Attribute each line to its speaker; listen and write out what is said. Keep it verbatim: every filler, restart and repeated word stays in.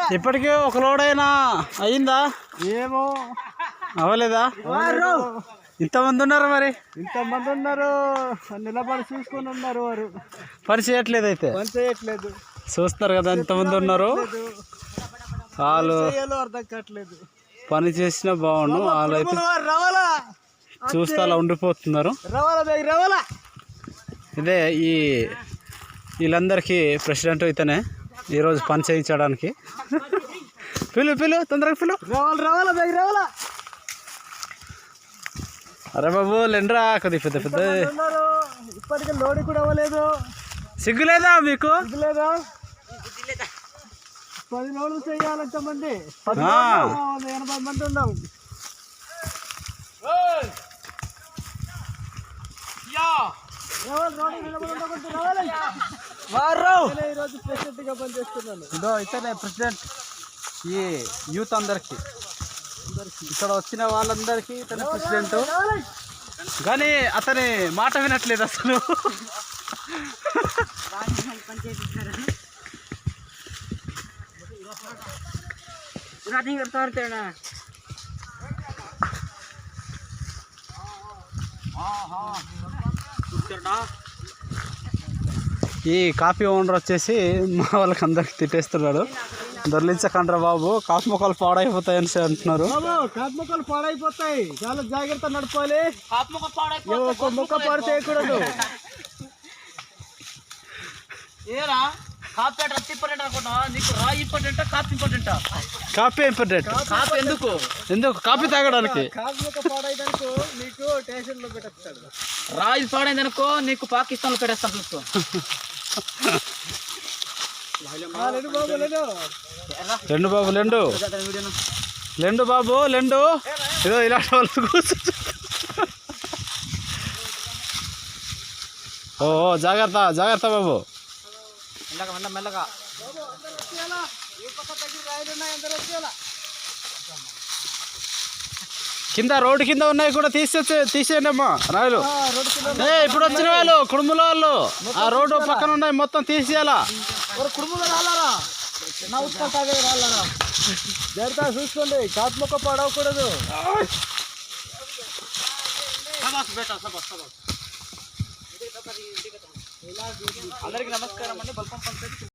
Speaker 1: ఇప్పటికే ఒక లోడ్ అయినా అయిందా?
Speaker 2: ఏమో
Speaker 1: అవ్వలేదా? ఇంతమంది ఉన్నారు, మరి
Speaker 2: ఇంతమంది ఉన్నారు, నిలబడి చూసుకొని ఉన్నారు. వారు
Speaker 1: పని చేయట్లేదు, అయితే
Speaker 2: పని చేయట్లేదు.
Speaker 1: చూస్తున్నారు కదా ఎంతమంది ఉన్నారు. వాళ్ళు
Speaker 2: అర్థం కావట్లేదు.
Speaker 1: పని చేసినా బాగుండు, వాళ్ళు అయితే చూస్తే అలా ఉండిపోతున్నారు. ఇదే ఈ వీళ్ళందరికీ ప్రెసిడెంట్ అయితేనే ఈరోజు పని చేయించడానికి. పిలు పిలు తొందరగా పిలు.
Speaker 2: రావాలి రావాలా బైక్ రావాలా.
Speaker 1: అరే బాబు లెండ్రా, కొద్ది పెద్ద పెద్ద.
Speaker 2: ఇప్పటికే లోడి కూడా అవ్వలేదు.
Speaker 1: సిగ్గులేదా మీకు?
Speaker 2: సిగ్గులేదా? పది లోడ్లు చేయాలంట మంది, ఎనభై మంది ఉన్నాం. ఈరోజు ప్రెసిడెంట్ గా పనిచేస్తున్నాను.
Speaker 1: ఇదో ఇతనే ప్రెసిడెంట్ ఈ యూత్ అందరికి, ఇక్కడ వచ్చిన వాళ్ళందరికీ ఇతనే ప్రెసిడెంట్. కానీ అతని మాట వినట్లేదు అసలు. ఈ కాఫీ ఓనర్ వచ్చేసి మా వాళ్ళకి అందరికి తిట్టేస్తున్నాడు. దొర్లించకండ్రా బాబు, కాఫీ మొక్కలు పాడైపోతాయని అంటున్నారు.
Speaker 2: కాఫీ మొక్కలు పాడైపోతాయి, చాలా జాగ్రత్త నడపాలి. ఒక మొక్క పాడు చేయకూడదు.
Speaker 3: ఏరా కాఫీ ఇంపార్టెంట్ అనుకుంటా, నీకు రాయి important, coffee important?
Speaker 1: Coffee important.
Speaker 3: Coffee ఎందుకు?
Speaker 1: ఎందుకు కాఫీ తాగడానికి?
Speaker 2: కాఫీ మొక్క పాడైదనుకో నీకు స్టేషన్ లో పెట్టేస్తాడు.
Speaker 3: రాయి పాడైందనుకో నీకు పాకిస్తాన్ లో పెట్టేస్తాను చూసుకో.
Speaker 1: లెండు బాబు లెండు లెండు బాబు లెండు. ఏదో ఇలాంటి వాళ్ళు కూర్చో. ఓ జాగ్రత్త జాగ్రత్త బాబు.
Speaker 3: మెల్లగా మెల్ల మెల్లగా.
Speaker 1: కింద రోడ్డు కింద ఉన్నాయి కూడా తీసేసి తీసేయండి అమ్మా రాయలు. ఏ ఇప్పుడు వచ్చిన వాళ్ళు కుడుముల వాళ్ళు ఆ రోడ్డు పక్కన ఉన్నాయి మొత్తం తీసేయాలా.
Speaker 2: జాగ్రత్త చూసుకోండి, కాపు మొక్క పాడవకూడదు.
Speaker 3: అందరికి నమస్కారం అండి. బల్పం పంచాయతీ